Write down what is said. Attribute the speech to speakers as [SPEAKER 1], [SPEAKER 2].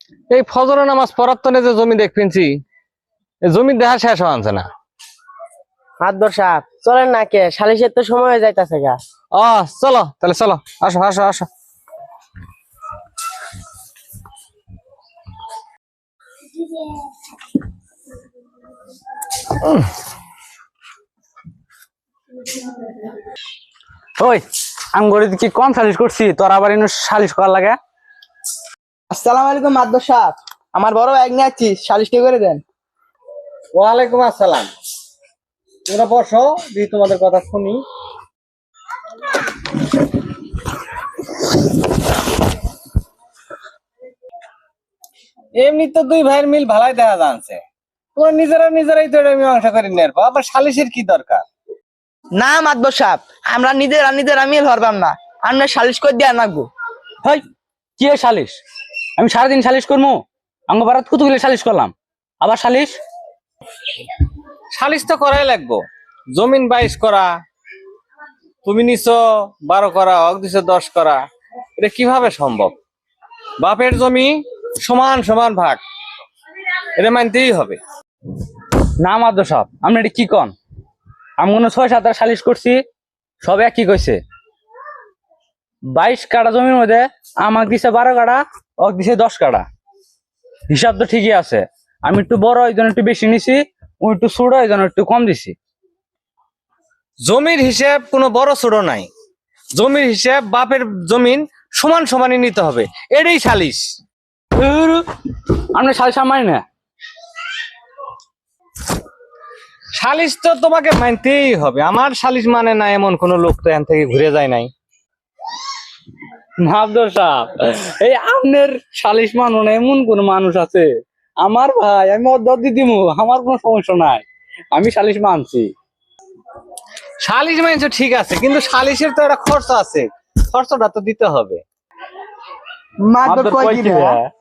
[SPEAKER 1] এই ফজরের নামাজ পড়ার তনে যে জমি দেখছি, জমি দেখা শেষ হওয়াছে না।
[SPEAKER 2] মাতবর সাহেব চলেন না কে, সালিশের তো সময় হয়ে যাইতাছে গা।
[SPEAKER 1] চলো তাহলে, চলো, আসো আসো আসো।
[SPEAKER 3] ওই আমগরে কি কম সালিশ করছি, তোর আবার এনে সালিশ করার লাগে?
[SPEAKER 2] আসসালামু আলাইকুম মাতবর সাহেব, আমার বড় ভাই নিয়ে আসছি, সালিশটি করে দেন।
[SPEAKER 1] ওয়ালাইকুম আসসালাম। তোমরা বসো, দিয়ে তোমাদের কথা শুনি। এমনি তো দুই ভাইয়ের মিল ভালাই দেখা যাচ্ছে, তোমরা নিজেরাই তো এটা মীমাংসা করে নেব, আবার সালিশের কি দরকার?
[SPEAKER 2] না মাতবর সাহেব, আমরা নিজেরা মিল হরবাম না, আমরা সালিশ করে দিয়ে আনাবো।
[SPEAKER 3] হই কি এ সালিশ? আমি সারাদিন সালিশ করবো? আঙ্গ বারাত কতগুলো সালিশ করলাম, আবার সালিশ?
[SPEAKER 1] সালিশ তো করাই লাগবো। জমিন 22 করা, তুমি নিছো 12 করা, অগ দিছো 10 করা, এটা কিভাবে সম্ভব? বাপের জমি সমান সমান ভাগ, এটা মানতেই হবে।
[SPEAKER 3] না মাদ্র সব আপনি এটা কি কন? আমি কোনো 6-7 সালিশ করছি, সব একই কইছে। 22 কাঠা জমির মধ্যে আমাকে দিছে 12 কাঠা, অক দিছে 10 কাঠা। হিসাব তো ঠিকই আছে, আমি একটু বড় এই জন্য একটু বেশি নিছি, ও একটু ছোট এই জন্য একটু কম দিছি।
[SPEAKER 1] জমির হিসাব কোনো বড় ছোট নাই, জমির হিসাব বাপের জমিন সমান সমানই নিতে হবে, এটাই সালিশ।
[SPEAKER 3] আপনি সালিশ মানি না?
[SPEAKER 1] সালিশ তো তোমাকে মানতেই হবে, আমার সালিশ মানে না এমন কোন লোক তো এখান থেকে ঘুরে যায় নাই।
[SPEAKER 3] মাদ্র সাহেব, এই আপনার সালিশ মানো না এমন কোন মানুষ আছে? আমার ভাই, আমি অর্ধ দিমু, আমার কোনো সমস্যা নাই, আমি সালিশ মানছি।
[SPEAKER 1] সালিশ মানছো ঠিক আছে, কিন্তু সালিশের তো একটা খরচ আছে, খরচটা তো দিতে হবে।
[SPEAKER 2] মাতবর
[SPEAKER 3] মাদ্র
[SPEAKER 2] কই
[SPEAKER 3] কই
[SPEAKER 2] দিবে?
[SPEAKER 3] দিবে?